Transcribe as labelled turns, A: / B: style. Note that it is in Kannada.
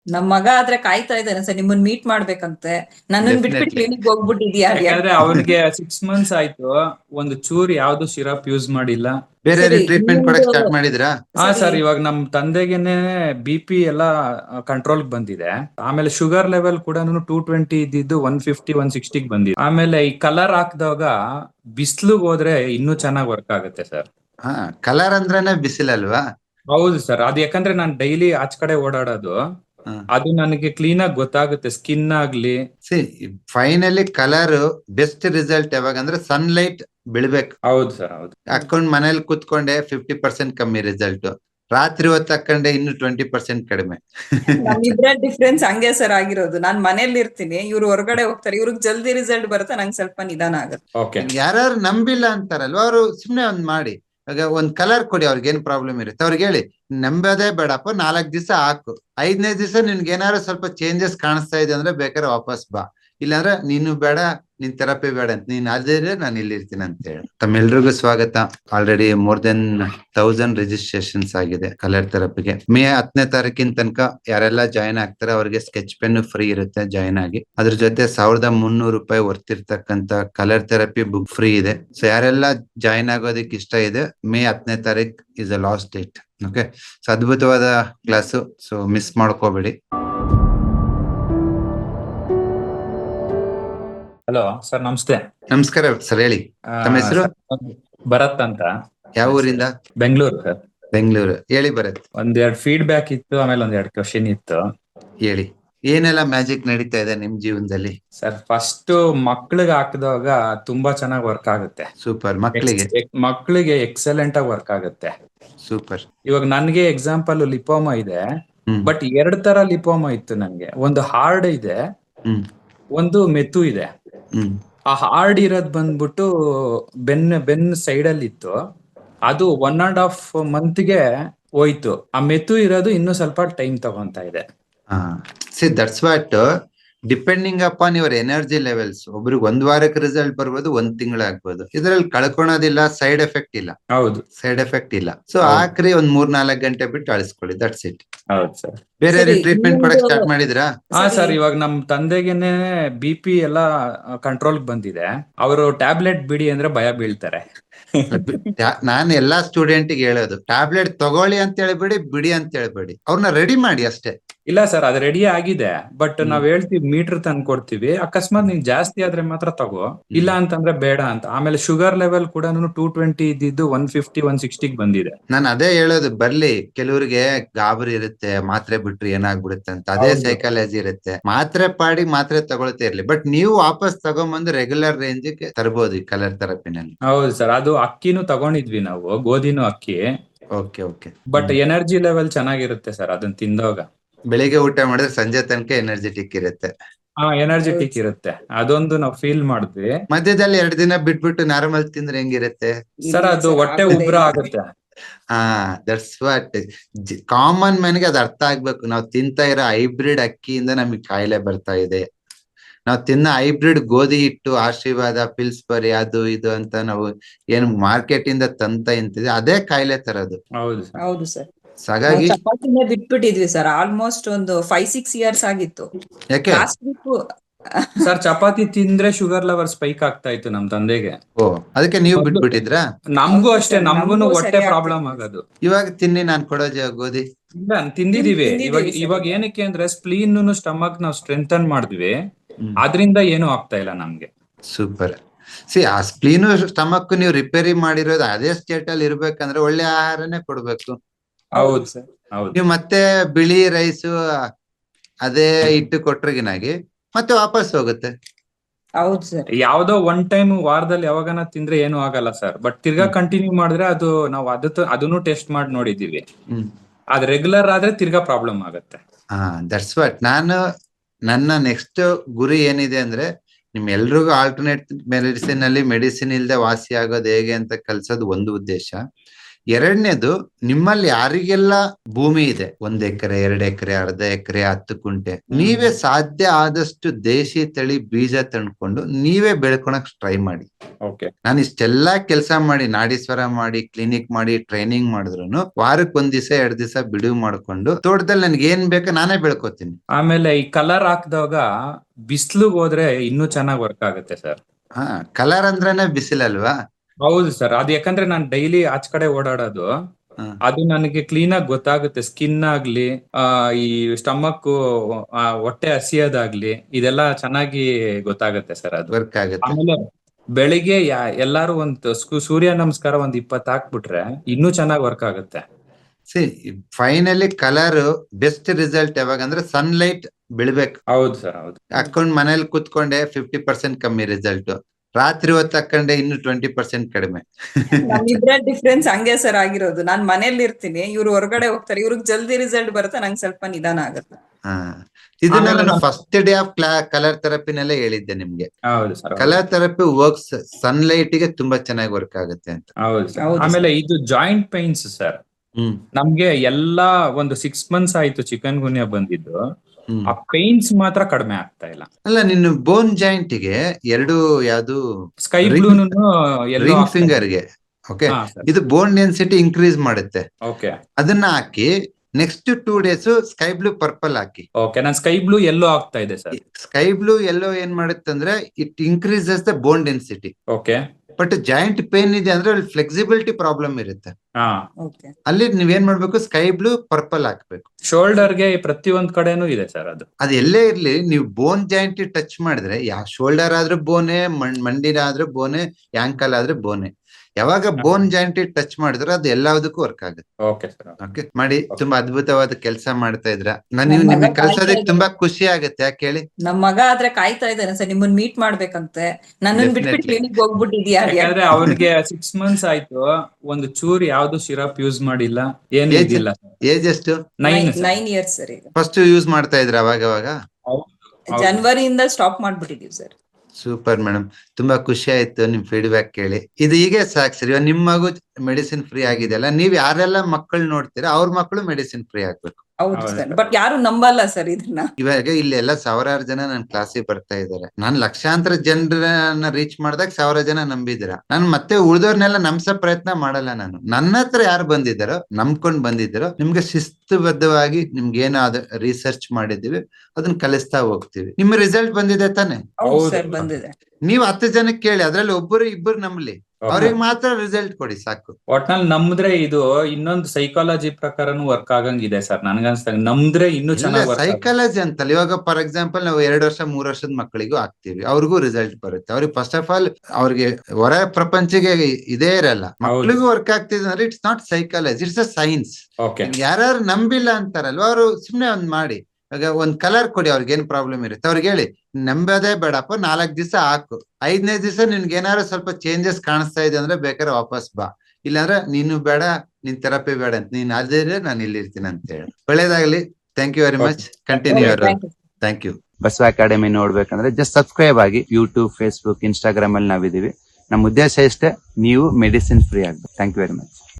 A: ನಮ್ ಮಗ ಆದ್ರೆ ಕಾಯ್ತಾ ಇದ್ದಾನೆ ಸರ್ ನಿಮ್ಮನ್ನ ಮೀಟ್ ಮಾಡ್ಬೇಕಂತೆ. ನನ್ನನ್ ಬಿಟ್ಬಿಟ್ಟು
B: ಡೆಫಿನೆಟ್ಲಿ.
A: ಕ್ಲಿನಿಕ್ ಹೋಗ್ಬಿಟ್ಟಿದ್ಯಾ
C: ಯಾಕಂದ್ರೆ ಅವನಿಗೆ 6 months ಆಯ್ತು, ಒಂದು ಚೂರ್ ಯಾವ್ದು ಸಿರಪ್ ಯೂಸ್ ಮಾಡಿಲ್ಲ.
B: ಬೇರೆ
A: ಸರಿ
B: ಟ್ರೀಟ್ಮೆಂಟ್ ಕೊಡಕ್ ಸ್ಟಾರ್ಟ್ ಮಾಡಿದ್ರಾ?
C: ಹಾ
A: ಸರಿ
C: ಸರ್, ಇವಾಗ ನಮ್ ತಂದೆಗೆನೆ BP ಎಲ್ಲ ಕಂಟ್ರೋಲ್ ಬಂದಿದೆ. ಆಮೇಲೆ ಶುಗರ್ ಲೆವೆಲ್ ಕೂಡ 220 ಇದ್ದಿದ್ದು 150 160 ಬಂದಿದೆ. ಆಮೇಲೆ ಈ ಕಲರ್ ಹಾಕ್ದಾಗ ಬಿಸ್ಲುಗ್ ಹೋದ್ರೆ ಇನ್ನೂ ಚೆನ್ನಾಗಿ ವರ್ಕ್ ಆಗುತ್ತೆ ಸರ್.
B: ಹಾ, ಕಲರ್ ಅಂದ್ರೇನೆ ಬಿಸಿಲಲ್ವಾ?
C: ಹೌದು ಸರ್, ಅದು ಯಾಕಂದ್ರೆ ನಾನು ಡೈಲಿ ಆಚ ಕಡೆ ಓಡಾಡೋದು, ಅದು ನನಗೆ ಕ್ಲೀನ್ ಆಗಿ ಗೊತ್ತಾಗುತ್ತೆ. ಸ್ಕಿನ್ ಆಗ್ಲಿ
B: ಫೈನಲಿ ಕಲರ್ ಬೆಸ್ಟ್ ರಿಸಲ್ಟ್ ಯಾವಾಗ ಅಂದ್ರೆ ಸನ್ಲೈಟ್ ಬೀಳ್ಬೇಕು.
C: ಹೌದು ಸರ್, ಹೌದು.
B: ಹಾಕೊಂಡ್ ಮನೇಲಿ ಕುತ್ಕೊಂಡೆ 50% ಕಮ್ಮಿ ರಿಸಲ್ಟ್, ರಾತ್ರಿ ಹೊತ್ತು ಹಾಕೊಂಡೆ ಇನ್ನು 20% ಕಡಿಮೆ.
A: ನಮ್ಮಿಬ್ರ ಡಿಫ್ರೆನ್ಸ್ ಹಂಗೆ ಸರ್ ಆಗಿರೋದು. ನಾನ್ ಮನೇಲಿ ಇರ್ತೀನಿ, ಇವ್ರು ಹೊರಗಡೆ ಹೋಗ್ತಾರೆ, ಇವ್ರಿಗೆ ಜಲ್ದಿ ರಿಸಲ್ಟ್ ಬರುತ್ತೆ, ನಂಗೆ ಸ್ವಲ್ಪ ನಿಧಾನ ಆಗುತ್ತೆ.
C: ಓಕೆ.
B: ಯಾರು ನಂಬಿಲ್ಲ ಅಂತಾರಲ್ವಾ, ಅವರು ಸುಮ್ನೆ ಒಂದ್ ಮಾಡಿ, ಈಗ ಒಂದ್ ಕಲರ್ ಕೊಡಿ, ಅವ್ರಿಗೆ ಏನ್ ಪ್ರಾಬ್ಲಮ್ ಇರುತ್ತೆ ಅವ್ರಿಗೆ ಹೇಳಿ, ನಂಬೋದೇ ಬೇಡಪ್ಪ, 4 ದಿವಸ ಹಾಕು, 5ನೇ ದಿವಸ ನಿನ್ಗೆ ಏನಾದ್ರು ಸ್ವಲ್ಪ ಚೇಂಜಸ್ ಕಾಣಿಸ್ತಾ ಇದೆ ಅಂದ್ರೆ ಬೇಕಾದ್ರೆ ವಾಪಸ್ ಬಾ, ಇಲ್ಲಾಂದ್ರೆ ನೀನು ಬೇಡ, ನಿನ್ ಥೆರಪಿ ಬೇಡ ಅಂತ ನೀನ್ ಅದೇ ನಾನು ಇಲ್ಲಿ ಇರ್ತೀನಿ ಅಂತ ಹೇಳಿ. ತಮ್ಮೆಲ್ರಿಗೂ ಸ್ವಾಗತ. ಆಲ್ರೆಡಿ ಮೋರ್ ದೆನ್ 1000 ರಿಜಿಸ್ಟ್ರೇಷನ್ಸ್ ಆಗಿದೆ ಕಲರ್ ಥೆರಪಿಗೆ. ಮೇ 10ನೇ ತಾರೀಕಿನ ತನಕ ಯಾರೆಲ್ಲ ಜಾಯಿನ್ ಆಗ್ತಾರೆ ಅವ್ರಿಗೆ ಸ್ಕೆಚ್ ಪೆನ್ ಫ್ರೀ ಇರುತ್ತೆ, ಜಾಯಿನ್ ಆಗಿ. ಅದ್ರ ಜೊತೆ 1300 ರೂಪಾಯಿ ವರ್ತಿರ್ತಕ್ಕಂತ ಕಲರ್ ಥೆರಪಿ ಬುಕ್ ಫ್ರೀ ಇದೆ. ಸೊ ಯಾರೆಲ್ಲ ಜಾಯಿನ್ ಆಗೋದಕ್ಕೆ ಇಷ್ಟ ಇದೆ, ಮೇ 10ನೇ ತಾರೀಕು is a last date. Okay, so ಅದ್ಭುತವಾದ ಕ್ಲಾಸು, ಸೊ ಮಿಸ್ ಮಾಡ್ಕೋಬೇಡಿ.
C: ಹಲೋ ಸರ್, ನಮಸ್ತೆ.
B: ನಮಸ್ಕಾರ ಸರ್, ಹೇಳಿ ತಮ್ಮ ಹೆಸರು?
C: ಭರತ್ ಅಂತ.
B: ಯಾವ ಊರಿಂದ?
C: ಬೆಂಗಳೂರು ಸರ್.
B: ಬೆಂಗಳೂರು. ಹೇಳಿ ಭರತ್.
C: 1-2 ಫೀಡ್ಬ್ಯಾಕ್ ಇತ್ತು, ಆಮೇಲೆ 1-2 ಕ್ವಶನ್ ಇತ್ತು.
B: ಹೇಳಿ, ಏನೆಲ್ಲ ಮ್ಯಾಜಿಕ್ ನಡೀತಾ ಇದೆ ನಿಮ್ ಜೀವನದಲ್ಲಿ?
C: ಸರ್, ಫಸ್ಟ್ ಮಕ್ಳಿಗೆ ಹಾಕಿದಾಗ ತುಂಬಾ ಚೆನ್ನಾಗಿ ವರ್ಕ್ ಆಗುತ್ತೆ.
B: ಸೂಪರ್.
C: ಮಕ್ಳಿಗೆ ಎಕ್ಸಲೆಂಟ್ ಆಗಿ ವರ್ಕ್ ಆಗುತ್ತೆ.
B: ಸೂಪರ್.
C: ಇವಾಗ ನನ್ಗೆ ಎಕ್ಸಾಂಪಲ್ ಲಿಪೋಮಾ ಇದೆ, ಬಟ್ 2 ತರ ಲಿಪೋಮಾ ಇತ್ತು ನನ್ಗೆ. ಒಂದು ಹಾರ್ಡ್ ಇದೆ, ಒಂದು ಮೆತು ಇದೆ. ಆ ಹಾರ್ಡ್ ಇರೋದ್ ಬಂದ್ಬಿಟ್ಟು ಬೆನ್ ಸೈಡ್ ಅಲ್ಲಿ ಇತ್ತು, ಅದು 1.5 monthಗೆ ಹೋಯ್ತು. ಆ ಮೆತು ಇರೋದು ಇನ್ನೂ ಸ್ವಲ್ಪ ಟೈಮ್ ತಗೊಂತ ಇದೆ.
B: That's what depending upon your energy levels. ಒಬ್ರಿಗೆ 1 ವಾರಕ್ಕೆ ರಿಸಲ್ಟ್ ಬರ್ಬೋದು, 1 ತಿಂಗಳಾಗ್ಬೋದು. ಇದ್ರಲ್ಲಿ ಕಳ್ಕೊಳೋದಿಲ್ಲ, ಸೈಡ್ ಎಫೆಕ್ಟ್ ಇಲ್ಲ.
C: ಹೌದು,
B: ಸೈಡ್ ಎಫೆಕ್ಟ್ ಇಲ್ಲ. ಸೊ ಆಕ್ರಿ 1-3-4 ಗಂಟೆ ಬಿಟ್ಟು ಅಳಿಸ್ಕೊಳ್ಳಿ, ದಟ್ಸ್ ಇಟ್.
C: ಹೌದು ಸರ್.
B: ಬೇರೆ ಟ್ರೀಟ್ಮೆಂಟ್ ಕೊಡಕ್ ಸ್ಟಾರ್ಟ್ ಮಾಡಿದ್ರಾ?
C: ಹಾ ಸರ್, ಇವಾಗ ನಮ್ ತಂದೆಗೆನೆ BP ಎಲ್ಲ ಕಂಟ್ರೋಲ್ ಬಂದಿದೆ. ಅವರು ಟ್ಯಾಬ್ಲೆಟ್ ಬಿಡಿ ಅಂದ್ರೆ ಭಯ ಬೀಳ್ತಾರೆ.
B: ನಾನು ಎಲ್ಲಾ ಸ್ಟೂಡೆಂಟಿಗೆ ಹೇಳೋದು, ಟ್ಯಾಬ್ಲೆಟ್ ತಗೊಳ್ಳಿ ಅಂತ ಹೇಳ್ಬೇಡಿ, ಬಿಡಿ ಅಂತ ಹೇಳ್ಬೇಡಿ, ಅವ್ರನ್ನ ರೆಡಿ ಮಾಡಿ ಅಷ್ಟೇ.
C: ಇಲ್ಲ ಸರ್, ಅದು ರೆಡಿ ಆಗಿದೆ, ಬಟ್ ನಾವ್ ಹೇಳ್ತೀವಿ ಮೀಟರ್ ತಂದು ಕೊಡ್ತೀವಿ. ಅಕಸ್ಮಾತ್ ನೀನ್ ಜಾಸ್ತಿ ಆದ್ರೆ ಮಾತ್ರ ತಗೋ, ಇಲ್ಲ ಅಂತಂದ್ರೆ ಬೇಡ ಅಂತ. ಆಮೇಲೆ ಶುಗರ್ ಲೆವೆಲ್ ಕೂಡ 220 ಇದ್ದಿದ್ದು 150 160 ಬಂದಿದೆ.
B: ನಾನು ಅದೇ ಹೇಳೋದು, ಬರ್ಲಿ. ಕೆಲವ್ರಿಗೆ ಗಾಬರಿ ಇರುತ್ತೆ, ಮಾತ್ರೆ ಬಿಟ್ರೆ ಏನಾಗ್ಬಿಡುತ್ತೆ ಅಂತ, ಅದೇ ಸೈಕಾಲಜಿ ಇರುತ್ತೆ. ಮಾತ್ರೆ ಪಾಡಿ ಮಾತ್ರೆ ತಗೊಳ್ತಾ ಇರ್ಲಿ, ಬಟ್ ನೀವು ವಾಪಸ್ ತಗೊಂಬಂದು ರೆಗ್ಯುಲರ್ ರೇಂಜ್ ತರಬಹುದು ಈ ಕಲರ್ ಥೆರಪಿನಲ್ಲಿ.
C: ಹೌದು ಸರ್, ಅದು ಅಕ್ಕಿನೂ ತಗೊಂಡಿದ್ವಿ ನಾವು, ಗೋಧಿನೂ ಅಕ್ಕಿ.
B: ಓಕೆ.
C: ಬಟ್ ಎನರ್ಜಿ ಲೆವೆಲ್ ಚೆನ್ನಾಗಿರುತ್ತೆ ಸರ್ ಅದನ್ನ ತಿಂದಾಗ.
B: ಬೆಳಿಗ್ಗೆ ಊಟ ಮಾಡಿದ್ರೆ ಸಂಜೆ ತನಕ ಎನರ್ಜೆಟಿಕ್ ಇರುತ್ತೆ.
C: ಎನರ್ಜೆಟಿಕ್ ಇರುತ್ತೆ, ಅದೊಂದು ನಾವು ಫೀಲ್ ಮಾಡಿದ್ವಿ.
B: ಮಧ್ಯದಲ್ಲಿ 2 ದಿನ ಬಿಟ್ಬಿಟ್ಟು ನಾರ್ಮಲ್ ತಿಂದ್ರೆ ಹೆಂಗಿರುತ್ತೆ
C: ಸರ್? ಅದು ಹೊಟ್ಟೆ ಉಬ್ರ ಆಗುತ್ತೆ.
B: ದಟ್ಸ್ ವಾಟ್ ಕಾಮನ್ ಮ್ಯಾನ್ಗೆ ಅದು ಅರ್ಥ ಆಗ್ಬೇಕು. ನಾವು ತಿಂತಾ ಇರೋ ಹೈಬ್ರಿಡ್ ಅಕ್ಕಿಯಿಂದ ನಮಗೆ ಕಾಯಿಲೆ ಬರ್ತಾ ಇದೆ. ನಾವು ತಿನ್ನ ಹೈಬ್ರಿಡ್ ಗೋಧಿ ಹಿಟ್ಟು, ಆಶೀರ್ವಾದ, ಪಿಲ್ಸ್ಬರಿ, ಅದು ಇದು ಅಂತ ನಾವು ಏನು ಮಾರ್ಕೆಟ್ ಇಂದ ತಂತ ಇಂತಿದೆ, ಅದೇ ಕಾಯಿಲೆ ತರೋದು.
A: ಹೌದು ಸರ್.
B: ಹಾಗಾಗಿ
A: ಚಪಾತಿನೇ ಬಿಟ್ಬಿಟ್ಟಿದ್ವಿ ಸರ್, ಆಲ್ಮೋಸ್ಟ್ ಒಂದು 5-6 years ಆಗಿತ್ತು.
B: ಯಾಕೆ
C: ಸರ್? ಚಪಾತಿ ತಿಂದ್ರೆ ಶುಗರ್ ಲೆವೆಲ್ ಸ್ಪೈಕ್ ಆಗ್ತಾ ಇತ್ತು ನಮ್ ತಂದೆಗೆ.
B: ಅದಕ್ಕೆ ನೀವು ಬಿಟ್ಬಿಟ್ಟಿದ್ರಾ?
C: ನಮ್ಗೂ ಅಷ್ಟೇ, ನಮ್ಗೂನು ಹೊಟ್ಟೆ ಪ್ರಾಬ್ಲಮ್ ಆಗೋದು.
B: ಇವಾಗ ತಿನ್ನಿ, ನಾನ್ ಕೊಡೋ ಗೋಧಿ
C: ಇಲ್ಲ ತಿಂದಿದೀವಿ. ಇವಾಗ ಏನಕ್ಕೆ ಅಂದ್ರೆ ಸ್ಪ್ಲೀನ್ ಸ್ಟಮಕ್ ನಾವು ಸ್ಟ್ರೆಂಥನ್ ಮಾಡಿದ್ವಿ, ಅದ್ರಿಂದ ಏನು ಆಗ್ತಾ ಇಲ್ಲ ನಮ್ಗೆ.
B: ಸೂಪರ್. ಆ ಸ್ಪ್ಲೀನು ಸ್ಟಮಕ್ ನೀವು ರಿಪೇರಿ ಮಾಡಿರೋದು ಅದೇ ಸ್ಟೇಟ್ ಅಲ್ಲಿ ಇರ್ಬೇಕಂದ್ರೆ ಒಳ್ಳೆ ಆಹಾರನೇ ಕೊಡ್ಬೇಕು.
C: ಹೌದು ಸರ್, ಹೌದು.
B: ನೀವು ಮತ್ತೆ ಬಿಳಿ ರೈಸ್ ಅದೇ ಹಿಟ್ಟು ಕೊಟ್ರಗಿನಾಗಿ ಮತ್ತೆ ವಾಪಸ್ ಹೋಗುತ್ತೆ.
A: ಹೌದು ಸರ್.
C: ಯಾವ್ದೋ 1 time ವಾರದಲ್ಲಿ ಯಾವಾಗನ ತಿಂದ್ರೆ ಏನು ಆಗಲ್ಲ ಸರ್, ಬಟ್ ತಿರ್ಗಾ ಕಂಟಿನ್ಯೂ ಮಾಡಿದ್ರೆ ಅದು ನಾವು ಅದನ್ನು ಟೆಸ್ಟ್ ಮಾಡಿ ನೋಡಿದೀವಿ. ಅದ್ ರೆಗ್ಯುಲರ್ ಆದ್ರೆ ತಿರ್ಗಾ ಪ್ರಾಬ್ಲಮ್ ಆಗುತ್ತೆ.
B: That's what. ನನ್ನ ನೆಕ್ಸ್ಟ್ ಗುರಿ ಏನಿದೆ ಅಂದ್ರೆ, ನಿಮ್ ಎಲ್ರಿಗೂ ಆಲ್ಟರ್ನೇಟ್ ಮೆಡಿಸಿನ್ ಅಲ್ಲಿ ಮೆಡಿಸಿನ್ ಇಲ್ದೆ ವಾಸಿ ಆಗೋದು ಹೇಗೆ ಅಂತ ಕಲ್ಸೋದು ಒಂದು ಉದ್ದೇಶ. ಎರಡನೇದು, ನಿಮ್ಮಲ್ಲಿ ಯಾರಿಗೆಲ್ಲ ಭೂಮಿ ಇದೆ, 1 ಎಕರೆ 2 ಎಕರೆ ಅರ್ಧ ಎಕರೆ 10 ಕುಂಟೆ, ನೀವೇ ಸಾಧ್ಯ ಆದಷ್ಟು ದೇಶಿ ತಳಿ ಬೀಜ ತಂದ್ಕೊಂಡು ನೀವೇ ಬೆಳ್ಕೊಳಕ್ ಟ್ರೈ ಮಾಡಿ.
C: ಓಕೆ.
B: ನಾನು ಇಷ್ಟೆಲ್ಲಾ ಕೆಲಸ ಮಾಡಿ, ನಾಡೀಶ್ವರ ಮಾಡಿ, ಕ್ಲಿನಿಕ್ ಮಾಡಿ, ಟ್ರೈನಿಂಗ್ ಮಾಡಿದ್ರು ವಾರಕ್ಕೆ 1 ದಿವಸ 2 ದಿವಸ ಬಿಡುವು ಮಾಡ್ಕೊಂಡು ತೋಟದಲ್ಲಿ ನನ್ಗೆ ಏನ್ ಬೇಕೋ ನಾನೇ ಬೆಳ್ಕೊತೀನಿ.
C: ಆಮೇಲೆ ಈ ಕಲರ್ ಹಾಕಿದಾಗ ಬಿಸಿಲಿಗೆ ಹೋದ್ರೆ ಇನ್ನೂ ಚೆನ್ನಾಗಿ ವರ್ಕ್ ಆಗುತ್ತೆ ಸರ್.
B: ಹಾ, ಕಲರ್ ಅಂದ್ರೇನೆ ಬಿಸಿಲಲ್ವಾ?
C: ಹೌದು ಸರ್, ಅದು ಯಾಕಂದ್ರೆ ನಾನು ಡೈಲಿ ಆಚ ಕಡೆ ಓಡಾಡೋದು, ಅದು ನನಗೆ ಕ್ಲೀನ್ ಆಗಿ ಗೊತ್ತಾಗುತ್ತೆ. ಸ್ಕಿನ್ ಆಗ್ಲಿ, ಈ ಸ್ಟಮಕ್, ಹೊಟ್ಟೆ ಹಸಿಯೋದಾಗ್ಲಿ, ಇದೆಲ್ಲ ಚೆನ್ನಾಗಿ ಗೊತ್ತಾಗುತ್ತೆ ಸರ್ ಅದು.
B: ವರ್ಕ್ ಆಗುತ್ತೆ.
C: ಆಮೇಲೆ ಬೆಳಿಗ್ಗೆ ಎಲ್ಲಾರು ಸೂರ್ಯ ನಮಸ್ಕಾರ 20 ಹಾಕ್ಬಿಟ್ರೆ ಇನ್ನೂ ಚೆನ್ನಾಗಿ ವರ್ಕ್ ಆಗುತ್ತೆ.
B: ಫೈನಲಿ ಕಲರ್ ಬೆಸ್ಟ್ ರಿಸಲ್ಟ್ ಯಾವಾಗ ಅಂದ್ರೆ ಸನ್ಲೈಟ್ ಬೀಳ್ಬೇಕು.
C: ಹೌದು ಸರ್, ಹೌದು.
B: ಹಾಕೊಂಡ್ ಮನೇಲಿ ಕೂತ್ಕೊಂಡೆ 50% ಕಮ್ಮಿ ರಿಸಲ್ಟ್, ರಾತ್ರಿ ಹೊತ್ತು ಹಾಕೊಂಡೆ ಇನ್ನು 20% ಕಡಿಮೆ.
A: ನಮ್ಮಿಬ್ರ ಡಿಫ್ರೆನ್ಸ್ ಹಂಗೆ ಸರ್ ಆಗಿರೋದು. ನಾನ್ ಮನೇಲಿ ಇರ್ತೀನಿ, ಇವ್ರು ಹೊರಗಡೆ ಹೋಗ್ತಾರೆ, ಇವ್ರಿಗೆ ಜಲ್ದಿ ರಿಸಲ್ಟ್ ಬರುತ್ತೆ, ನಂಗೆ ಸ್ವಲ್ಪ ನಿಧಾನ ಆಗುತ್ತೆ.
B: ಇದನ್ನ ನಾನು ಫಸ್ಟ್ ಡೇ ಆಫ್ ಕಲರ್ ಥೆರಪಿನಲ್ಲೇ ಹೇಳಿದ್ದೆ ನಿಮ್ಗೆ.
C: ಹೌದು sir,
B: colour therapy works sunlight ಗೆ ತುಂಬಾ ಚೆನ್ನಾಗಿ ವರ್ಕ್ ಆಗುತ್ತೆ ಅಂತ.
C: ಹೌದು ಸರ್. ಆಮೇಲೆ ಇದು ಜಾಯಿಂಟ್ ಪೈನ್ಸ್ ಸರ್, ನಮ್ಗೆ ಎಲ್ಲಾ ಒಂದು 6 months ಆಯ್ತು ಚಿಕನ್ ಗುನ್ಯಾ ಬಂದಿದ್ದು, ಆ ಪೈನ್ಸ್ ಮಾತ್ರ ಕಡಿಮೆ ಆಗ್ತಾ ಇಲ್ಲ.
B: ಅಲ್ಲ, ನಿನ್ನ ಬೋನ್ ಜಾಯಿಂಟ್ ಗೆ ಯಾವ್ದು
C: ಸ್ಕೈ ಬ್ಲೂನು
B: ರಿಂಗ್ ಫಿಂಗರ್ ಗೆ, ಓಕೆ, ಇದು ಬೋನ್ ಡೆನ್ಸಿಟಿ ಇನ್ಕ್ರೀಸ್ ಮಾಡುತ್ತೆ.
C: ಓಕೆ,
B: ಅದನ್ನ ಹಾಕಿ next 2 days sky blue purple ಹಾಕಿ.
C: ಓಕೆ, ನಾನು ಸ್ಕೈ ಬ್ಲೂ ಎಲ್ಲೋ ಆಗ್ತಾ ಇದೆ ಸರ್.
B: ಸ್ಕೈ ಬ್ಲೂ ಎಲ್ಲೋ ಏನ್ ಮಾಡುತ್ತೆ ಅಂದ್ರೆ it increases the bone density.
C: Okay,
B: but joint pain ಇದೆ ಅಂದ್ರೆ ಅಲ್ಲಿ ಫ್ಲೆಕ್ಸಿಬಿಲಿಟಿ ಪ್ರಾಬ್ಲಮ್ ಇರುತ್ತೆ. ಅಲ್ಲಿ ನೀವೇನ್ ಮಾಡ್ಬೇಕು, ಸ್ಕೈ ಬ್ಲೂ ಪರ್ಪಲ್ ಹಾಕ್ಬೇಕು.
C: ಶೋಲ್ಡರ್ ಗೆ ಪ್ರತಿಯೊಂದ್ ಕಡೆನೂ ಇದೆ ಸರ್ ಅದು.
B: ಅದು ಎಲ್ಲೇ ಇರ್ಲಿ, ನೀವು ಬೋನ್ ಜಾಯಿಂಟ್ ಟಚ್ ಮಾಡಿದ್ರೆ, ಶೋಲ್ಡರ್ ಆದ್ರೂ ಬೋನೆ, ಮಂಡಿನ ಆದ್ರೂ ಬೋನೆ, ಆಂಕಲ್ ಆದ್ರೂ ಬೋನೆ, ಯಾವಾಗ ಬೋನ್ ಜಾಯಿಂಟ್ ಟಚ್ ಮಾಡಿದ್ರೆ ಅದು ಎಲ್ಲದಕ್ಕೂ ವರ್ಕ್ ಆಗುತ್ತೆ.
C: ಓಕೆ ಸರ್,
B: ಓಕೆ ಮಾಡಿ. ತುಂಬಾ ಅದ್ಭುತವಾದ ಕೆಲಸ ಮಾಡ್ತಾ ಇದ್ರ. ನಿಮ್ಗೆ ಕಲ್ಸೋದಕ್ಕೆ ತುಂಬಾ ಖುಷಿ ಆಗುತ್ತೆ. ಯಾಕೆ ಹೇಳಿ?
A: ನಮ್ ಮಗ ಆದ್ರೆ ಕಾಯ್ತಾ ಇದ್ದಾನೆ ಸರ್, ನಿಮ್ಮನ್ನ ಮೀಟ್ ಮಾಡ್ಬೇಕಂತೆ. ನನ್ನ ಬಿಟ್ಬಿಟ್ಟು ಕ್ಲಿನಿಕ್ ಹೋಗ್ಬಿಟ್ಟಿದ್ಯಾ?
C: ಯಾಕಂದ್ರೆ ಅವ್ನಿಗೆ 6 months ಆಯ್ತು, ಒಂದು ಚೂರ್ ಯಾವ್ದು ಸಿರಪ್ ಯೂಸ್ ಮಾಡಿಲ್ಲ, ಏನು ಇದಿಲ್ಲ.
B: ಏಜ್ ಎಷ್ಟು?
A: 9 years ಸರ್. ಈಗ
B: ಫಸ್ಟ್ ಯೂಸ್ ಮಾಡ್ತಾ ಇದ್ರ ಅವಾಗ?
A: ಜನವರಿಯಿಂದ ಸ್ಟಾಪ್ ಮಾಡ್ಬಿಟ್ಟಿದೀವಿ ಸರ್.
B: ಸೂಪರ್ ಮೇಡಮ್, ತುಂಬಾ ಖುಷಿ ಆಯ್ತು ನಿಮ್ ಫೀಡ್ಬ್ಯಾಕ್ ಕೇಳಿ. ಇದು ಹೀಗೆ ಸಾಕು ಸರ್. ಇವಾಗ ನಿಮ್ ಮಗು ಮೆಡಿಸಿನ್ ಫ್ರೀ ಆಗಿದೆಯಲ್ಲ, ನೀವ್ ಯಾರೆಲ್ಲ ಮಕ್ಕಳು ನೋಡ್ತೀರಾ ಅವ್ರ ಮಕ್ಕಳು ಮೆಡಿಸಿನ್ ಫ್ರೀ ಆಗ್ಬೇಕು.
A: ಹೌದು ಸರ್, ಬಟ್ ಯಾರು ನಂಬಲ್ಲ ಸರ್ ಇದನ್ನ.
B: ಇವಾಗ ಇಲ್ಲೆಲ್ಲ 1000 ಜನ ನನ್ ಕ್ಲಾಸಿಗೆ ಬರ್ತಾ ಇದಾರೆ. ನಾನ್ ಲಕ್ಷಾಂತರ ಜನರನ್ನ ರೀಚ್ ಮಾಡಿದಾಗ 1000 ಜನ ನಂಬಿದಿರ. ನಾನು ಮತ್ತೆ ಉಳಿದವ್ರನ್ನೆಲ್ಲ ನಂಬ್ಸೋ ಪ್ರಯತ್ನ ಮಾಡಲ್ಲ. ನಾನು ನನ್ನ ಹತ್ರ ಯಾರು ಬಂದಿದ್ದಾರೋ, ನಂಬ್ಕೊಂಡ್ ಬಂದಿದ್ದಾರೋ, ನಿಮ್ಗೆ ಶಿಸ್ತುಬದ್ಧವಾಗಿ ನಿಮ್ಗೆ ಏನಾದ್ರು ರಿಸರ್ಚ್ ಮಾಡಿದೀವಿ ಅದನ್ನ ಕಲಿಸ್ತಾ ಹೋಗ್ತೀವಿ. ನಿಮ್ಮ ರಿಸಲ್ಟ್ ಬಂದಿದೆ ತಾನೆ?
A: ಹೌದು ಸರ್, ಬಂದಿದೆ.
B: ನೀವು 10 ಜನಕ್ಕೆ ಕೇಳಿ, ಅದ್ರಲ್ಲಿ ಒಬ್ಬರು ಇಬ್ಬರು ನಂಬಲಿ, ಅವ್ರಿಗೆ ಮಾತ್ರ ರಿಸಲ್ಟ್ ಕೊಡಿ, ಸಾಕು.
C: ಒಟ್ನಲ್ಲಿ ನಮ್ದ್ರೆ ಇದು ಇನ್ನೊಂದು ಸೈಕಾಲಜಿ ಪ್ರಕಾರನು ವರ್ಕ್ ಆಗಂಗಿದೆ ಸರ್. ನನ್ಗನ್ಸ್ದಾಗ ನಮ್ದ್ರೆ ಇನ್ನೂ ಚೆನ್ನಾಗಿ
B: ಸೈಕಾಲಜಿ ಅಂತಲ್ಲ. ಇವಾಗ ಫಾರ್ ಎಕ್ಸಾಂಪಲ್ ನಾವು 2 ವರ್ಷ 3 ವರ್ಷದ ಮಕ್ಕಳಿಗೂ ಹಾಕ್ತಿವಿ, ಅವ್ರಿಗೂ ರಿಸಲ್ಟ್ ಬರುತ್ತೆ. ಅವ್ರಿಗೆ ಫಸ್ಟ್ ಆಫ್ ಆಲ್ ಅವ್ರಿಗೆ ಹೊರ ಪ್ರಪಂಚಕ್ಕೆ ಇದೇ ಇರಲ್ಲ, ಮಕ್ಕಳಿಗೂ ವರ್ಕ್ ಆಗ್ತಿದೆ ಅಂದ್ರೆ it's not psychology, it's a science. ಯಾರು ನಂಬಿಲ್ಲ ಅಂತಾರಲ್ವಾ, ಅವರು ಸುಮ್ನೆ ಒಂದ್ ಮಾಡಿ, ಒಂದ್ ಕಲರ್ ಕೊಡಿ, ಅವ್ರಿಗೆ ಏನ್ ಪ್ರಾಬ್ಲಮ್ ಇರುತ್ತೆ ಅವ್ರಿಗೆ ಹೇಳಿ, ನಂಬೋದೇ ಬೇಡಪ್ಪ, 4 ದಿವಸ ಹಾಕು, 5ನೇ ದಿವಸ ನಿನ್ಗೆ ಏನಾದ್ರು ಸ್ವಲ್ಪ ಚೇಂಜಸ್ ಕಾಣಿಸ್ತಾ ಇದೆ ಅಂದ್ರೆ ಬೇಕಾದ್ರೆ ವಾಪಸ್ ಬಾ, ಇಲ್ಲಾಂದ್ರೆ ನೀನು ಬೇಡ, ನಿನ್ ಥೆರಪಿ ಬೇಡ ಅಂತ, ನೀನ್ ಅದೇ ನಾನು ಇಲ್ಲಿರ್ತೀನಿ ಅಂತ ಹೇಳಿ. ಒಳ್ಳೇದಾಗ್ಲಿ. Thank you very much. Continue. Thank you.
D: Basava academy ನೋಡ್ಬೇಕಂದ್ರೆ ಜಸ್ಟ್ ಸಬ್ಸ್ಕ್ರೈಬ್ ಆಗಿ. ಯೂಟ್ಯೂಬ್, ಫೇಸ್ಬುಕ್, ಇನ್ಸ್ಟಾಗ್ರಾಮ್ ಅಲ್ಲಿ ನಾವಿದೀವಿ. ನಮ್ಮ ಉದ್ದೇಶ ಇಷ್ಟೇ, ನೀವು ಮೆಡಿಸಿನ್ ಫ್ರೀ ಆಗ್ಬೇಕು. Thank you very much.